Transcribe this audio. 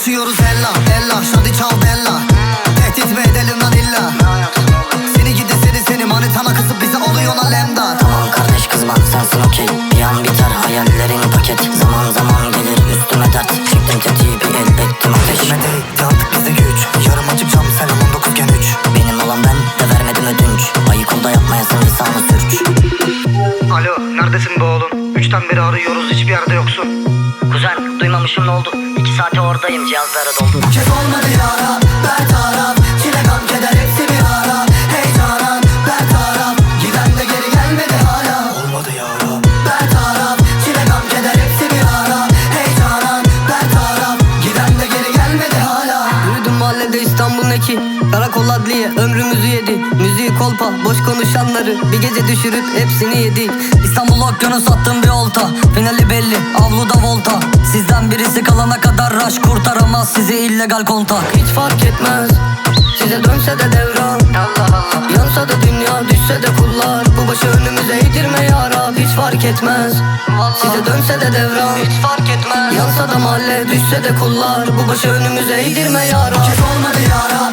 Konuşuyoruz ella ella, şadi çal bella. Tehdit mi edelim lan illa? Seni gidi seni manitana kızıp bize oluyor lan lemdar. Tamam kardeş kızma sensin okey. Bir an biter hayallerin paket. Zaman gelir üstüme dert. Çektim tetiği bir el bektim ateş. Peşime değil artık bizde güç. Yarım açık cam selam 19 gen 3. Benim olan ben de vermedim ödünç. Ayık ol da yapmayasın lisanı sürç. Alo neredesin be oğlum? 3'ten beri arıyoruz, hiçbir yerde yoksun. Kuzen duymamışım ne oldu? 2 saate oradayım, cihazlara doldu. Bu kez olmadı yara bertaraf. Çile gam keder hepsi bir ara. Heyecanan bertaraf. Giden de geri gelmedi hala. Olmadı yara bertaraf. Çile gam keder hepsi bir ara. Heyecanan bertaraf. Giden de geri gelmedi hala. Yürüdüm mahallede İstanbul neki. Karakol adliye ömrümüzü yedi. Müziği kolpa boş konuşanları bir gece düşürüp hepsini yedik. İstanbul okyanus attım bir olta. Finali belli avluda volta. Sizden birisi kalana kadar rush kurtaramaz sizi illegal kontak. Hiç fark etmez size dönse de devran. Allah Allah. Yansa da dünya düşse de kullar. Bu başı önümüze eğdirme ya Rab. Hiç fark etmez size dönse de devran. Hiç fark etmez. Yansa da mahalle düşse de kullar. Bu başı önümüze eğdirme ya Rab. Bu kez olmadı yara